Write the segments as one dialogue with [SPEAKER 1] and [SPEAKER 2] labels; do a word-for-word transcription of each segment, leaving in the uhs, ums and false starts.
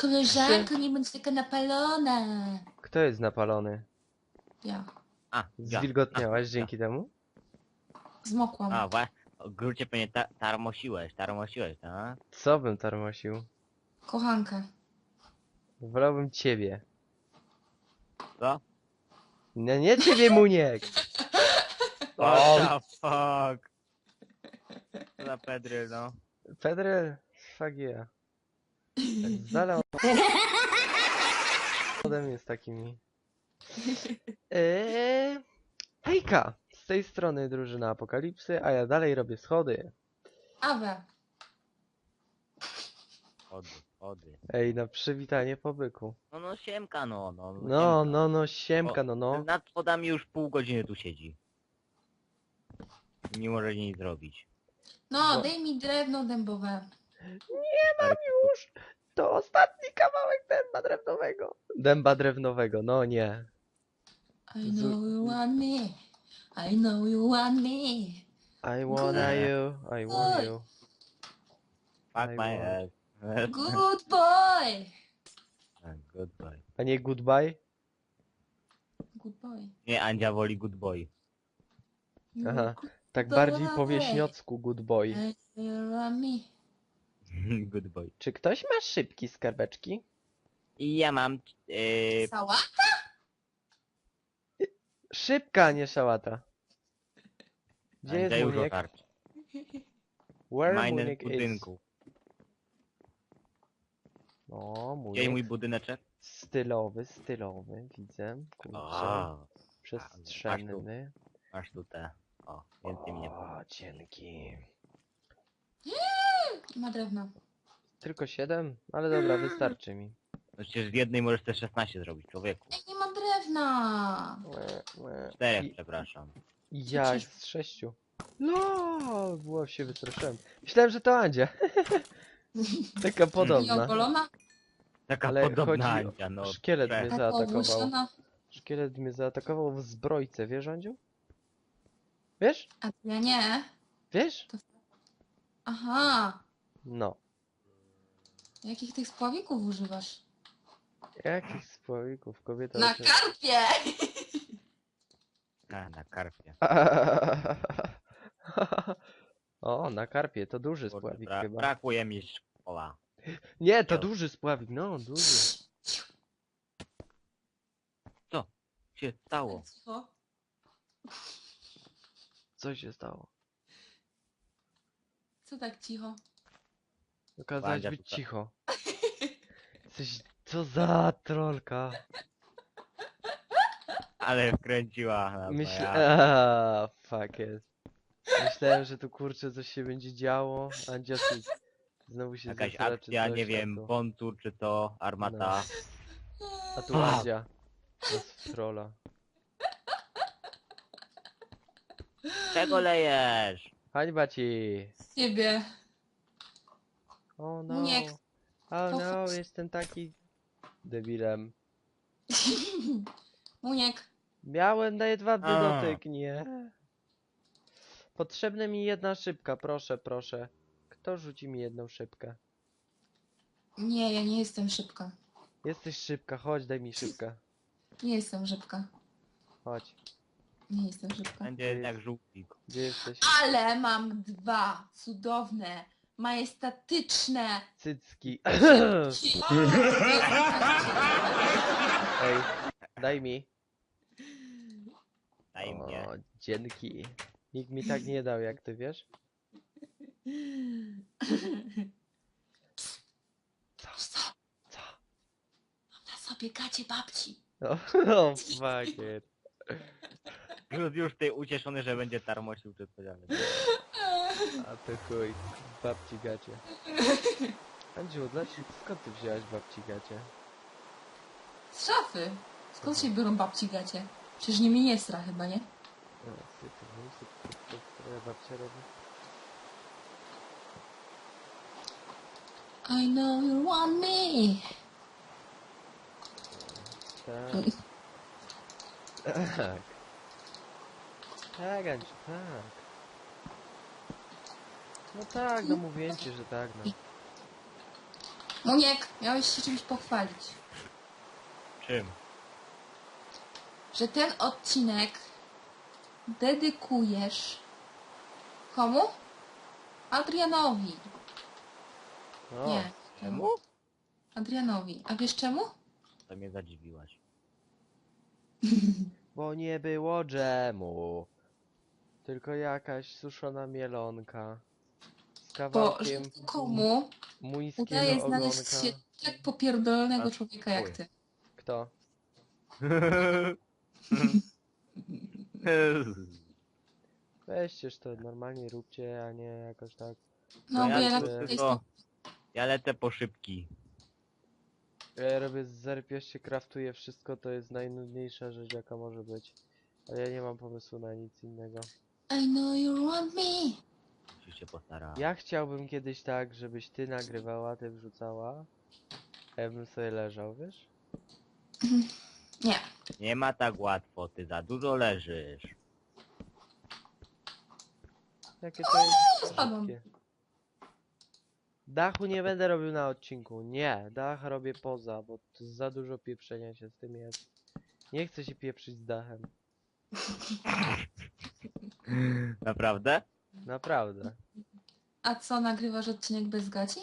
[SPEAKER 1] Koleżanko, nie bądź taka napalona.
[SPEAKER 2] Kto jest napalony?
[SPEAKER 1] Ja.
[SPEAKER 3] A, ja.
[SPEAKER 2] Zwilgotniałaś
[SPEAKER 3] A,
[SPEAKER 2] dzięki temu?
[SPEAKER 1] Zmokłam.
[SPEAKER 3] A, wa... Grucie pewnie ta tarmosiłeś, tarmosiłeś, tak?
[SPEAKER 2] Co bym tarmosił?
[SPEAKER 1] Kochankę.
[SPEAKER 2] Wolałbym ciebie.
[SPEAKER 3] Co?
[SPEAKER 2] No nie ciebie, Muniek!
[SPEAKER 3] What the fuck? Co za pedry, no.
[SPEAKER 2] Pedry, fuck yeah. Tak z dala ode mnie z takimi. Eee, hejka! Z tej strony drużyna Apokalipsy, a ja dalej robię schody.
[SPEAKER 1] Awe.
[SPEAKER 3] Chody, chody.
[SPEAKER 2] Ej, na przywitanie po byku.
[SPEAKER 3] No no siemka, no, no.
[SPEAKER 2] No,
[SPEAKER 3] siemka.
[SPEAKER 2] no, no, siemka, no, no.
[SPEAKER 3] Nad schodami już pół godziny tu siedzi. Nie może nic zrobić.
[SPEAKER 1] No,
[SPEAKER 2] Bo-
[SPEAKER 1] daj mi drewno dębowe.
[SPEAKER 2] Nie mam już! To ostatni kawałek dęba drewnowego. Dęba drewnowego, no nie.
[SPEAKER 1] I know you want me. I know you want me.
[SPEAKER 2] I wanna you, I want
[SPEAKER 1] Oj.
[SPEAKER 2] you.
[SPEAKER 3] Fuck
[SPEAKER 2] I
[SPEAKER 3] my
[SPEAKER 2] want-
[SPEAKER 3] ass.
[SPEAKER 1] Good boy.
[SPEAKER 3] Goodbye.
[SPEAKER 2] A nie goodbye?
[SPEAKER 1] Good boy.
[SPEAKER 3] Nie, Andzia woli good boy.
[SPEAKER 2] Aha.
[SPEAKER 1] Good
[SPEAKER 2] Tak
[SPEAKER 1] boy.
[SPEAKER 2] bardziej po wieśniocku good boy.
[SPEAKER 1] I know you want me.
[SPEAKER 3] Good boy.
[SPEAKER 2] Czy ktoś ma szybki skarbeczki?
[SPEAKER 3] I ja mam... Yy,
[SPEAKER 1] Sałata?
[SPEAKER 2] Szybka, a nie szałata. Gdzie jest
[SPEAKER 3] Andzia już
[SPEAKER 2] Muniek?
[SPEAKER 3] otarć.
[SPEAKER 2] Where
[SPEAKER 3] Majny w
[SPEAKER 2] Muniek is?
[SPEAKER 3] budynku.
[SPEAKER 2] O,
[SPEAKER 3] Gdzie
[SPEAKER 2] Muniek.
[SPEAKER 3] mój budyneczek?
[SPEAKER 2] Stylowy, stylowy, widzę. Kurczę.
[SPEAKER 3] O,
[SPEAKER 2] Przestrzenny.
[SPEAKER 3] masz tu te. O, więcej mnie.
[SPEAKER 2] O, dzięki.
[SPEAKER 1] Nie ma drewna.
[SPEAKER 2] Tylko siedem? Ale dobra, wystarczy mi.
[SPEAKER 3] No przecież w jednej możesz te szesnaście zrobić, człowieku.
[SPEAKER 1] Ej, nie ma drewna.
[SPEAKER 2] Łe, łe.
[SPEAKER 3] Czterech,
[SPEAKER 2] I-
[SPEAKER 3] przepraszam.
[SPEAKER 2] Ja z sześciu. No, było się wystraszyłem. Myślałem, że to Andzia. Taka
[SPEAKER 1] Nie
[SPEAKER 2] podobna.
[SPEAKER 1] ogolona?
[SPEAKER 3] Taka
[SPEAKER 2] Ale
[SPEAKER 3] podobna
[SPEAKER 2] chodzi o-
[SPEAKER 3] Andzia, no.
[SPEAKER 2] Szkielet
[SPEAKER 3] Prze-
[SPEAKER 2] mnie
[SPEAKER 1] Taka
[SPEAKER 2] zaatakował.
[SPEAKER 1] ogłuszona?
[SPEAKER 2] Szkielet mnie zaatakował w zbrojce, wiesz, Andziu? Wiesz?
[SPEAKER 1] A ja nie.
[SPEAKER 2] Wiesz?
[SPEAKER 1] Aha.
[SPEAKER 2] No.
[SPEAKER 1] Jakich tych spławików używasz?
[SPEAKER 2] Jakich spławików kobieta...
[SPEAKER 1] Na
[SPEAKER 2] oczy-
[SPEAKER 1] karpie!
[SPEAKER 3] A, na karpie.
[SPEAKER 2] O, na karpie, to duży
[SPEAKER 3] Kurde,
[SPEAKER 2] spławik
[SPEAKER 3] bra
[SPEAKER 2] chyba.
[SPEAKER 3] brakuje mi szkoła.
[SPEAKER 2] Nie, to
[SPEAKER 3] Miał.
[SPEAKER 2] duży spławik, no, duży.
[SPEAKER 3] Co się stało?
[SPEAKER 1] Co?
[SPEAKER 2] Co się stało?
[SPEAKER 1] Co tak cicho?
[SPEAKER 2] Okazałaś
[SPEAKER 3] Andzia
[SPEAKER 2] być
[SPEAKER 3] tutaj.
[SPEAKER 2] cicho. Coś... Co za trolka.
[SPEAKER 3] Ale wkręciła. No,
[SPEAKER 2] Myślę...
[SPEAKER 3] ja.
[SPEAKER 2] Aaaa, fuck it. Myślałem, że tu kurczę coś się będzie działo. Andzia tu znowu się
[SPEAKER 3] Jakaś
[SPEAKER 2] zesra, czy
[SPEAKER 3] akcja,
[SPEAKER 2] coś,
[SPEAKER 3] nie
[SPEAKER 2] a
[SPEAKER 3] wiem,
[SPEAKER 2] tu-
[SPEAKER 3] bontur czy to, armata.
[SPEAKER 2] A tu
[SPEAKER 3] A.
[SPEAKER 2] Andzia. Nas trolla.
[SPEAKER 3] Czego lejesz?
[SPEAKER 2] Hańba ci!
[SPEAKER 1] Z ciebie.
[SPEAKER 2] O no.
[SPEAKER 1] Muniek.
[SPEAKER 2] O no,
[SPEAKER 1] Pochodź.
[SPEAKER 2] jestem taki debilem.
[SPEAKER 1] Muniek.
[SPEAKER 2] Miałem na jedwabny
[SPEAKER 3] A.
[SPEAKER 2] dotyk, nie. Potrzebna mi jedna szybka, proszę, proszę. Kto rzuci mi jedną szybkę?
[SPEAKER 1] Nie, ja nie jestem szybka.
[SPEAKER 2] Jesteś szybka, chodź, daj mi szybkę.
[SPEAKER 1] Nie jestem szybka.
[SPEAKER 2] Chodź.
[SPEAKER 1] Nie jestem szybka.
[SPEAKER 3] Będzie jak żółtik.
[SPEAKER 2] Gdzie jesteś?
[SPEAKER 1] Ale mam dwa cudowne, majestatyczne.
[SPEAKER 2] Cycki.
[SPEAKER 1] ci-
[SPEAKER 2] Ej, daj mi.
[SPEAKER 3] Daj mnie.
[SPEAKER 2] O, dzięki. Nikt mi tak nie dał, jak ty wiesz? Co?
[SPEAKER 1] Co?
[SPEAKER 2] Co?
[SPEAKER 1] Mam na sobie gacie babci.
[SPEAKER 2] O, oh, fuck it.
[SPEAKER 3] Już, już ty ucieszony, że będzie tarmosił czy coś, ale...
[SPEAKER 2] A to chuj. Babci gacie. Andziu, dlaczego, skąd ty wzięłaś babci gacie?
[SPEAKER 1] Z szafy. Skąd się biorą babci gacie? Przecież nimi nie stra chyba, nie?
[SPEAKER 2] O, sypy, no, sypy, sypy, co moja babcia robi?
[SPEAKER 1] I know you want me.
[SPEAKER 2] Tak. Tak. Tak, Andziu, tak. No tak, no mówię ci, że tak, no.
[SPEAKER 1] Muniek, miałeś się czymś pochwalić.
[SPEAKER 3] Czym?
[SPEAKER 1] Że ten odcinek dedykujesz komu? Adrianowi.
[SPEAKER 2] No,
[SPEAKER 1] Nie.
[SPEAKER 3] Czemu?
[SPEAKER 1] Adrianowi. A wiesz czemu?
[SPEAKER 3] To mnie zadziwiłaś.
[SPEAKER 2] bo nie było dżemu. Tylko jakaś suszona mielonka. Z
[SPEAKER 1] Bo
[SPEAKER 2] kawałkiem
[SPEAKER 1] że komu
[SPEAKER 2] muńskiego
[SPEAKER 1] udaje znaleźć
[SPEAKER 2] ogonka.
[SPEAKER 1] się tak popierdolonego
[SPEAKER 3] A,
[SPEAKER 1] człowieka jak
[SPEAKER 3] chuj.
[SPEAKER 1] ty.
[SPEAKER 2] Kto? Weźcież to normalnie róbcie, a nie jakoś tak.
[SPEAKER 1] No,
[SPEAKER 3] ja
[SPEAKER 1] bo ja
[SPEAKER 2] tu
[SPEAKER 1] na
[SPEAKER 2] tylko-
[SPEAKER 3] tylko... Ja lecę po szybki.
[SPEAKER 2] Ja robię z zerpiesz się kraftuje wszystko, to jest najnudniejsza rzecz jaka może być. Ale ja nie mam pomysłu na nic innego.
[SPEAKER 1] I know you want me.
[SPEAKER 3] Musisz się postarać.
[SPEAKER 2] Ja chciałbym kiedyś tak, żebyś ty nagrywała, ty wrzucała. A ja bym sobie leżał, wiesz?
[SPEAKER 1] Nie.
[SPEAKER 3] Nie ma tak łatwo, ty za dużo leżysz.
[SPEAKER 2] Jakie to jest
[SPEAKER 1] spadłam.
[SPEAKER 2] szybkie. Dachu nie będę robił na odcinku. Nie, dach robię poza, bo to za dużo pieprzenia się z tym jest. Nie chcę się pieprzyć z dachem.
[SPEAKER 3] Naprawdę?
[SPEAKER 2] Naprawdę.
[SPEAKER 1] A co, nagrywasz odcinek bez gaci?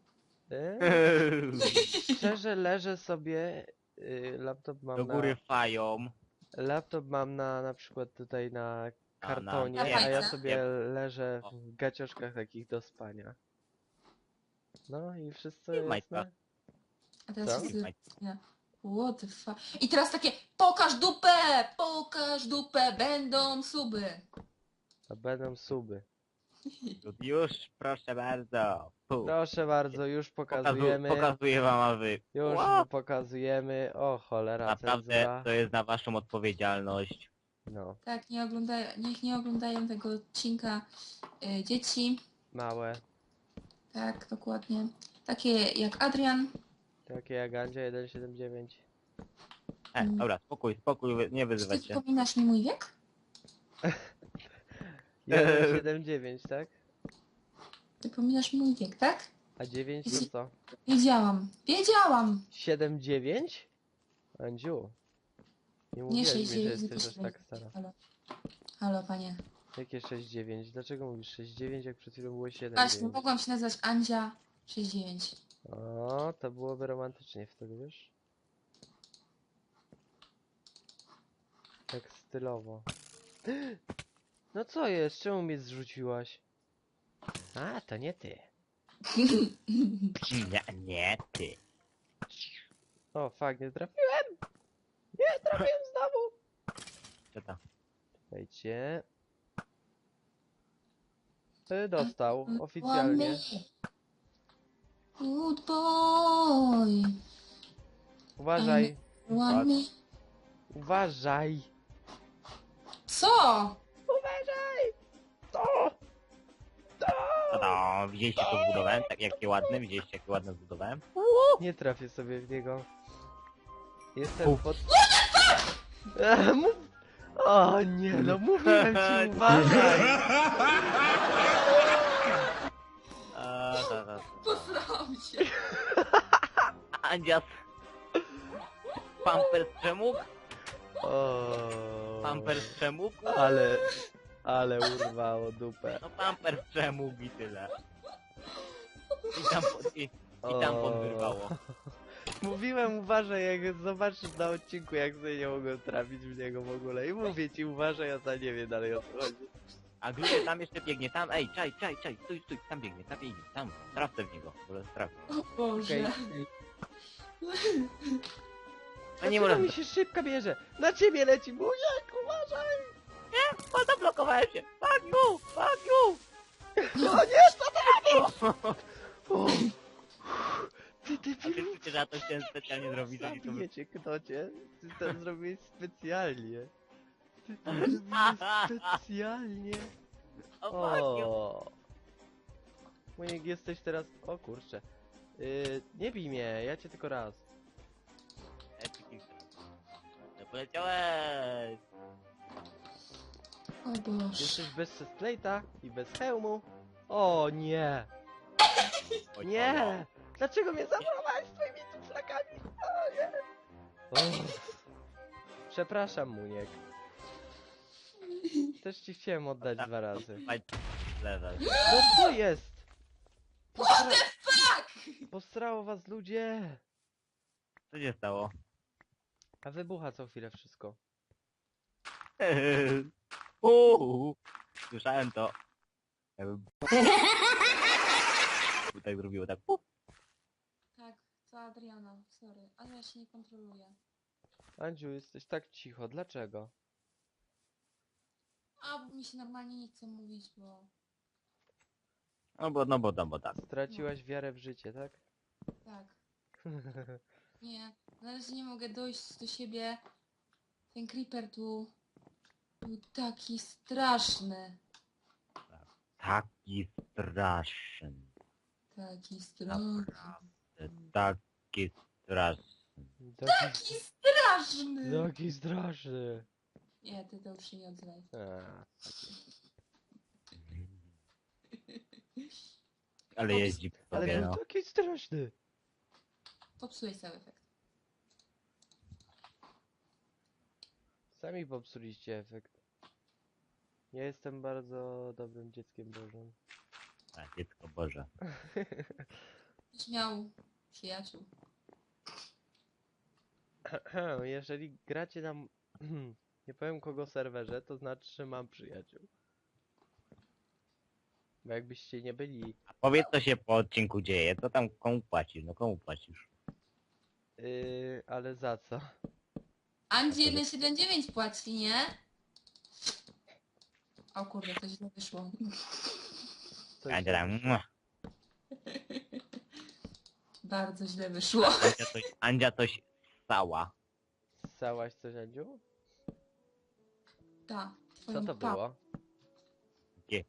[SPEAKER 2] Eee, szczerze leżę sobie. y, Laptop mam
[SPEAKER 3] Do
[SPEAKER 2] na...
[SPEAKER 3] góry fają.
[SPEAKER 2] Laptop mam na na przykład tutaj na
[SPEAKER 3] A, na-
[SPEAKER 2] kartonie,
[SPEAKER 1] Na
[SPEAKER 2] a ja
[SPEAKER 1] fajce?
[SPEAKER 2] sobie leżę w gacioszkach takich do spania. No i wszystko
[SPEAKER 3] Nie majtka.
[SPEAKER 2] jasne?
[SPEAKER 1] A teraz
[SPEAKER 2] Co?
[SPEAKER 1] wszyscy... Nie. What the fuck? I teraz takie, pokaż dupę, pokaż dupę, będą suby.
[SPEAKER 2] A będą suby.
[SPEAKER 3] Już, proszę bardzo. Pu.
[SPEAKER 2] Proszę bardzo, już
[SPEAKER 3] Pokazu
[SPEAKER 2] pokazujemy.
[SPEAKER 3] pokazuję wam, a wy.
[SPEAKER 2] Już
[SPEAKER 3] Ła!
[SPEAKER 2] pokazujemy. O cholera,
[SPEAKER 3] Naprawdę
[SPEAKER 2] cenzura.
[SPEAKER 3] to jest na waszą odpowiedzialność.
[SPEAKER 2] No,
[SPEAKER 1] Tak, nie oglądają, niech nie oglądają tego odcinka y, dzieci.
[SPEAKER 2] małe.
[SPEAKER 1] Tak, dokładnie. Takie jak Adrian.
[SPEAKER 2] Takie jak Andzia jeden siedem dziewięć.
[SPEAKER 3] E,
[SPEAKER 1] Mm.
[SPEAKER 3] dobra, spokój, spokój, wy- nie
[SPEAKER 1] Czy ty
[SPEAKER 3] wyzywać się.
[SPEAKER 1] wspominasz mi mój wiek?
[SPEAKER 2] jeden siedem dziewięć, tak?
[SPEAKER 1] Ty pominasz mi mój wiek, tak?
[SPEAKER 2] A dziewięć to co?
[SPEAKER 1] Wiedziałam. Wiedziałam!
[SPEAKER 2] siedem dziewięć? Andziu. Nie
[SPEAKER 1] Nie
[SPEAKER 2] mówiłaś mi,
[SPEAKER 1] sześć
[SPEAKER 2] że
[SPEAKER 1] dziewięć,
[SPEAKER 2] jesteś
[SPEAKER 1] tylko
[SPEAKER 2] aż tak stara.
[SPEAKER 1] Halo. Halo, panie.
[SPEAKER 2] Jakie sześć dziewięć? Dlaczego mówisz sześć dziewięć, jak przed chwilą było siedem
[SPEAKER 1] Właśnie,
[SPEAKER 2] dziewięć?
[SPEAKER 1] mogłam się nazywać Andzia sześć dziewięć.
[SPEAKER 2] O, to byłoby romantycznie wtedy, wiesz? Tak stylowo. No co jest? Czemu mnie zrzuciłaś? A, to nie ty.
[SPEAKER 3] Nie, nie ty.
[SPEAKER 2] O, fuck, nie trafiłem! Nie trafiłem znowu!
[SPEAKER 3] Co to?
[SPEAKER 2] Czekajcie. Y, Dostał, oficjalnie.
[SPEAKER 1] Good boy.
[SPEAKER 2] Uważaj,
[SPEAKER 1] Want me.
[SPEAKER 2] uważaj!
[SPEAKER 1] Co?
[SPEAKER 2] Uważaj! To! To!
[SPEAKER 3] Tada, widzieliście to zbudowałem? Tak, jakie ładne, widzieliście jakie ładne zbudowałem?
[SPEAKER 2] Nie trafię sobie w niego. Jestem
[SPEAKER 3] Uf.
[SPEAKER 2] pod... Eee, mów... O nie, no mówiłem ci, uważaj!
[SPEAKER 3] A, ta, ta, ta.
[SPEAKER 1] Posrałam się.
[SPEAKER 3] Andzias. Pampers przemógł?
[SPEAKER 2] O,
[SPEAKER 3] Pampers przemógł?
[SPEAKER 2] ale... Ale urwało dupę.
[SPEAKER 3] No Pampers przemógł i tyle. I tam, i, i tam
[SPEAKER 2] O.
[SPEAKER 3] podwyrwało.
[SPEAKER 2] Mówiłem uważaj, jak zobaczysz na odcinku, jak sobie nie mogłem trafić w niego w ogóle. I mówię ci uważaj, a za nie wiem dalej o co chodzi.
[SPEAKER 3] A Gluty tam jeszcze biegnie, tam, ej, czaj, czaj, czaj, stój, stój, tam biegnie, tam biegnie, tam, trafę w niego, może traf.
[SPEAKER 1] O Boże.
[SPEAKER 2] Okej.
[SPEAKER 3] A nie
[SPEAKER 2] Dlaczego
[SPEAKER 3] może,
[SPEAKER 2] mi się szybka bierze? Na ciebie leci, bujek, uważaj!
[SPEAKER 3] o, zablokowałem się, fuck you, fuck you!
[SPEAKER 2] O nie, co ty robisz? O. Ty, ty,
[SPEAKER 3] A ty wiecie, że ja to chciałem specjalnie zrobić, żeby to wy...
[SPEAKER 2] Zabijecie knocie. Ty to zrobiłeś specjalnie. Ty to zrobiłeś specjalnie.
[SPEAKER 3] O, fuck you!
[SPEAKER 2] O. Muniek, jesteś teraz... O kurczę. Yy, nie bij mnie, ja cię tylko raz.
[SPEAKER 3] Ej, ty kilka. No poleciałeś!
[SPEAKER 1] O Boże.
[SPEAKER 2] Jesteś bez chestplate'a i bez hełmu. O nie!
[SPEAKER 3] Oj,
[SPEAKER 2] Nie! Dlaczego mnie zabrałeś swoimi flakami? O nie! Uff. Przepraszam, Muniek. Też ci chciałem oddać dwa razy.
[SPEAKER 3] Level.
[SPEAKER 2] No co jest?
[SPEAKER 1] What the fuck?
[SPEAKER 2] Posrało was ludzie!
[SPEAKER 3] Co się stało?
[SPEAKER 2] A wybucha co chwilę wszystko.
[SPEAKER 3] Uuu, słyszałem to. Jakby... Tak zrobiło, tak. Puf.
[SPEAKER 1] Tak, to Adriana, sorry, ale ja się nie kontroluję.
[SPEAKER 2] Andziu, jesteś tak cicho, dlaczego?
[SPEAKER 1] A mi się normalnie nie chce mówić, bo...
[SPEAKER 3] No bo, no bo, no bo tak.
[SPEAKER 2] Straciłaś wiarę w życie, tak?
[SPEAKER 1] Tak. Nie, na razie nie mogę dojść do siebie. Ten creeper tu był taki straszny.
[SPEAKER 3] Taki straszny.
[SPEAKER 1] Taki straszny.
[SPEAKER 3] Naprawdę, taki straszny.
[SPEAKER 2] Taki,
[SPEAKER 1] Taki straszny!
[SPEAKER 2] taki straszny.
[SPEAKER 1] Nie, ty to już się nie odzywaj.
[SPEAKER 2] A,
[SPEAKER 3] Ale jeździ po
[SPEAKER 2] ale
[SPEAKER 3] sobie,
[SPEAKER 2] był
[SPEAKER 3] no.
[SPEAKER 2] taki straszny.
[SPEAKER 1] Popsułeś cały efekt.
[SPEAKER 2] Sami popsuliście efekt. Ja jestem bardzo dobrym dzieckiem Bożym.
[SPEAKER 3] A, dziecko Boże.
[SPEAKER 1] Byś miał przyjaciół.
[SPEAKER 2] Jeżeli gracie na... nie powiem kogo serwerze, to znaczy, że mam przyjaciół. Bo jakbyście nie byli...
[SPEAKER 3] A powiedz, co się po odcinku dzieje. Co tam, komu płacisz? No komu płacisz?
[SPEAKER 2] Yy, ale za co?
[SPEAKER 1] Andzi jeden siedem dziewięć płaci, nie? O kurde, to źle wyszło.
[SPEAKER 2] Coś
[SPEAKER 3] Andzia tam, mua.
[SPEAKER 1] Bardzo źle wyszło.
[SPEAKER 3] Andzia coś, Andzia coś stała.
[SPEAKER 2] Ssałaś coś, Andziu?
[SPEAKER 1] Ta,
[SPEAKER 2] Co
[SPEAKER 1] twoją
[SPEAKER 2] to
[SPEAKER 1] pa-
[SPEAKER 2] było?
[SPEAKER 3] Gdzie?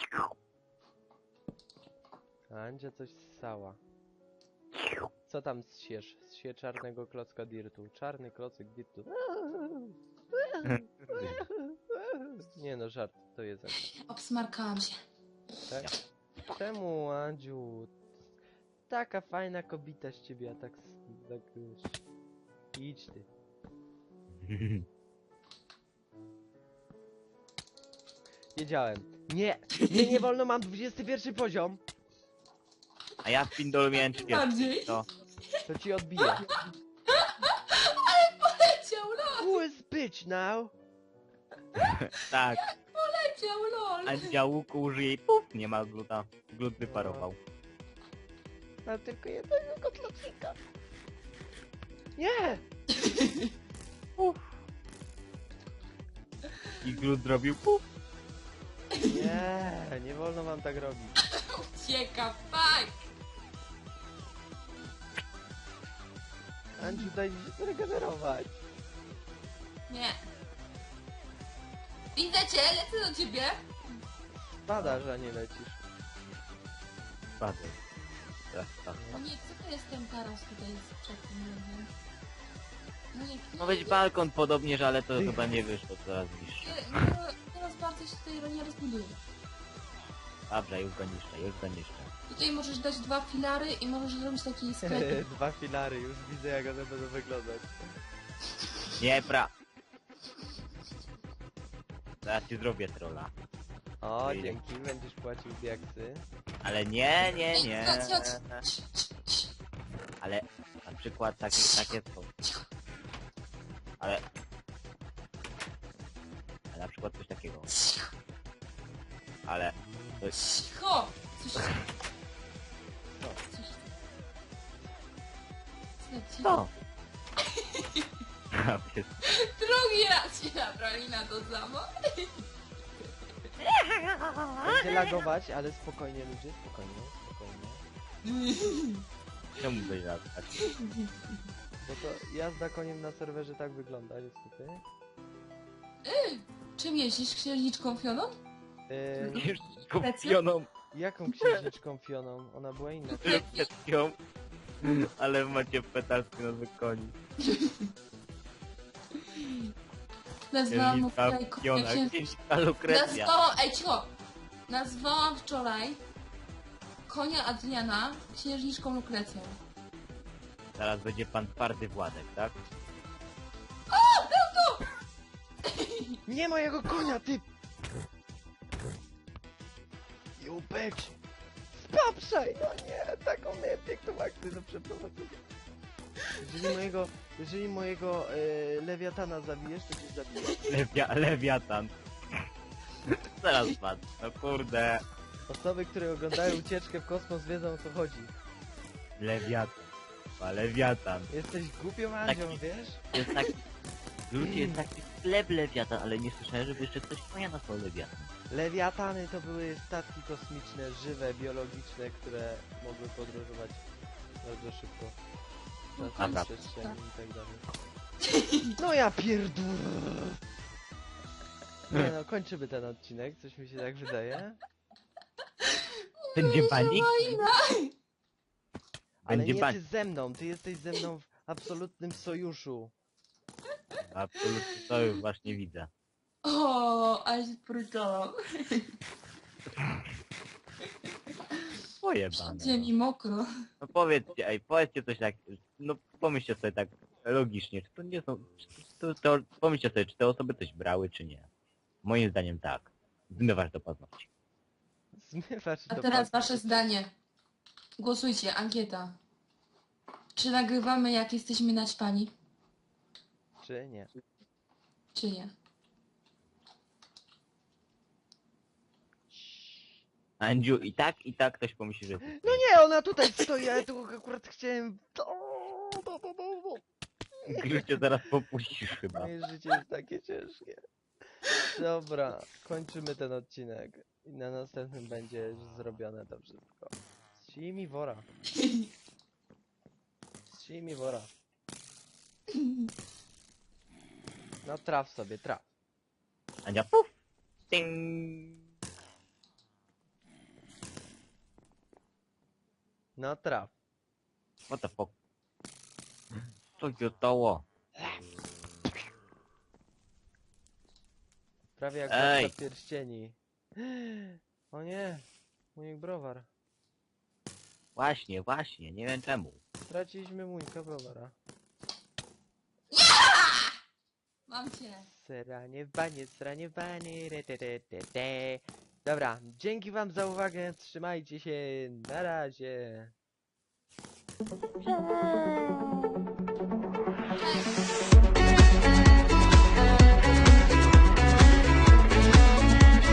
[SPEAKER 2] Andzia coś ssała. Co tam zsiesz? Zsie czarnego klocka dirtu. Czarny klocek dirtu. Nie no, żart, to jest Andzia.
[SPEAKER 1] Obsmarkałam się.
[SPEAKER 2] Tak? Czemu, Andziu? Taka fajna kobita z ciebie, a tak... s- tak wiesz. Idź ty. Wiedziałem. Nie! Nie, nie wolno, mam dwudziesty pierwszy poziom!
[SPEAKER 3] A ja w Pindolu miałem trzydzieści.
[SPEAKER 1] Bardziej.
[SPEAKER 3] To
[SPEAKER 2] To ci odbije.
[SPEAKER 1] Leciał lol,
[SPEAKER 2] Who is bitch now?
[SPEAKER 3] tak.
[SPEAKER 1] leciał lol.
[SPEAKER 3] Andzia łuku użyje i puf, nie ma gluta. Glut wyparował.
[SPEAKER 2] Mam tylko jednego kotlocika. Nie!
[SPEAKER 3] I glut zrobił puf.
[SPEAKER 2] Nie, nie wolno wam tak robić.
[SPEAKER 1] Ucieka, fuck.
[SPEAKER 2] Andziu, daj mi się zregenerować.
[SPEAKER 1] Nie. Widzę cię, lecę do ciebie.
[SPEAKER 2] Padasz, a nie lecisz.
[SPEAKER 3] Spadł. Teraz tak.
[SPEAKER 1] No nie, co to jest ten taras tutaj przed tym, nie wiem. No nie,
[SPEAKER 3] Ma być balkon podobnież, ale to chyba nie wyszło coraz niższe.
[SPEAKER 1] nie, nie, teraz bardzo się tutaj nie rozbuduje.
[SPEAKER 3] Dobra, już go niszczę, już go niszczę.
[SPEAKER 1] Tutaj możesz dać dwa filary i możesz zrobić taki sklep.
[SPEAKER 2] Dwa filary, już widzę jak one będą wyglądać.
[SPEAKER 3] Nie, pra... Zaraz ci zrobię trolla.
[SPEAKER 2] O,
[SPEAKER 3] Idę.
[SPEAKER 2] dzięki, będziesz płacił diaksy.
[SPEAKER 3] Ale nie, nie,
[SPEAKER 1] Ej,
[SPEAKER 3] nie.
[SPEAKER 1] chodź, chodź.
[SPEAKER 3] Ale na przykład takie, takie to... Ale... Ale na przykład coś takiego. Ale... To jest...
[SPEAKER 1] Cicho! Coś...
[SPEAKER 2] Co?
[SPEAKER 1] Coś... Co?
[SPEAKER 3] Co?
[SPEAKER 1] Drugi raz się nabrali na to samo.
[SPEAKER 2] Będzie lagować, ale spokojnie ludzie, spokojnie, spokojnie.
[SPEAKER 3] Czemu byś latać?
[SPEAKER 2] Bo to jazda koniem na serwerze tak wygląda niestety.
[SPEAKER 1] Czym jeździsz? Księżniczką Fioną?
[SPEAKER 2] Yy,
[SPEAKER 3] Już kupioną
[SPEAKER 2] jaką księżniczką Fioną? Ona była inna.
[SPEAKER 3] Lukrecją. Ale macie petalski na koni.
[SPEAKER 1] Nazwałam mu
[SPEAKER 3] Księżniczka
[SPEAKER 1] wczoraj
[SPEAKER 3] Fiona,
[SPEAKER 1] księżniczką.
[SPEAKER 3] księżniczka Lukrecja.
[SPEAKER 1] Nazwałam... Ej, cicho! Nazwałam wczoraj konia Adriana księżniczką Lukrecją.
[SPEAKER 3] Zaraz będzie pan twardy Władek, tak?
[SPEAKER 2] Nie mojego konia, ty! Jupek! Spaprzaj! No nie, taką miałem piękną akcję do przeprowadzenia. Jeżeli mojego, jeżeli mojego e, lewiatana zabijesz, to cię zabiję.
[SPEAKER 3] Lewia, lewiatan. Zaraz pan. No kurde.
[SPEAKER 2] Osoby, które oglądają ucieczkę w kosmos, wiedzą, o co chodzi.
[SPEAKER 3] Lewiatan. A lewiatan.
[SPEAKER 2] Jesteś głupią Andzią,
[SPEAKER 3] Taki-
[SPEAKER 2] wiesz?
[SPEAKER 3] Jest tak... Ludzie, jest taki sklep lewiatan, ale nie słyszałem, żeby jeszcze ktoś konia nazwał lewiatan.
[SPEAKER 2] Lewiatany to były statki kosmiczne, żywe, biologiczne, które mogły podróżować bardzo szybko. Na
[SPEAKER 3] Dobra.
[SPEAKER 2] przestrzeni i tak dalej. No ja pierdolę! Nie no, kończymy ten odcinek, coś mi się tak wydaje.
[SPEAKER 3] Będzie panik?
[SPEAKER 2] Ale
[SPEAKER 3] Będzie
[SPEAKER 2] nie ty
[SPEAKER 3] panik.
[SPEAKER 2] ze mną, ty jesteś ze mną w absolutnym sojuszu.
[SPEAKER 3] Absolutnie to już właśnie widzę.
[SPEAKER 1] O, ale się sprytałam.
[SPEAKER 3] Pojebane.
[SPEAKER 1] Wszędzie mi mokro.
[SPEAKER 3] No powiedzcie, ej, powiedzcie coś tak, no pomyślcie sobie tak logicznie, czy to nie są, czy to, to, pomyślcie sobie, czy te osoby coś brały, czy nie. Moim zdaniem tak. Zmywasz do paznokci.
[SPEAKER 2] Zmywasz
[SPEAKER 1] A
[SPEAKER 2] do
[SPEAKER 1] teraz
[SPEAKER 2] paski.
[SPEAKER 1] wasze zdanie. Głosujcie, ankieta. Czy nagrywamy jak jesteśmy naćpani,
[SPEAKER 2] Czy nie?
[SPEAKER 1] czy nie?
[SPEAKER 3] Andziu, i tak, i tak ktoś pomyśli, że...
[SPEAKER 2] No nie, ona tutaj stoi, ja tu akurat chciałem...
[SPEAKER 3] Już cię zaraz popuścisz chyba.
[SPEAKER 2] Moje życie jest takie ciężkie. Dobra, kończymy ten odcinek. I na następnym będzie już zrobione to wszystko. Zsij mi wora. Zsij mi wora. No traf sobie, traf.
[SPEAKER 3] Andzia, puf! Ting!
[SPEAKER 2] No traf.
[SPEAKER 3] What the fuck? Co się stało?
[SPEAKER 2] Prawie jak
[SPEAKER 3] Ej.
[SPEAKER 2] Władca Pierścieni. O nie, mój browar.
[SPEAKER 3] Właśnie, właśnie, nie wiem czemu.
[SPEAKER 2] Straciliśmy mójka browara.
[SPEAKER 1] Mam cię.
[SPEAKER 2] Sranie w banie, sranie w banie, re, te, te, te, te. Dobra, dzięki wam za uwagę, trzymajcie się, na razie.
[SPEAKER 4] Cześć.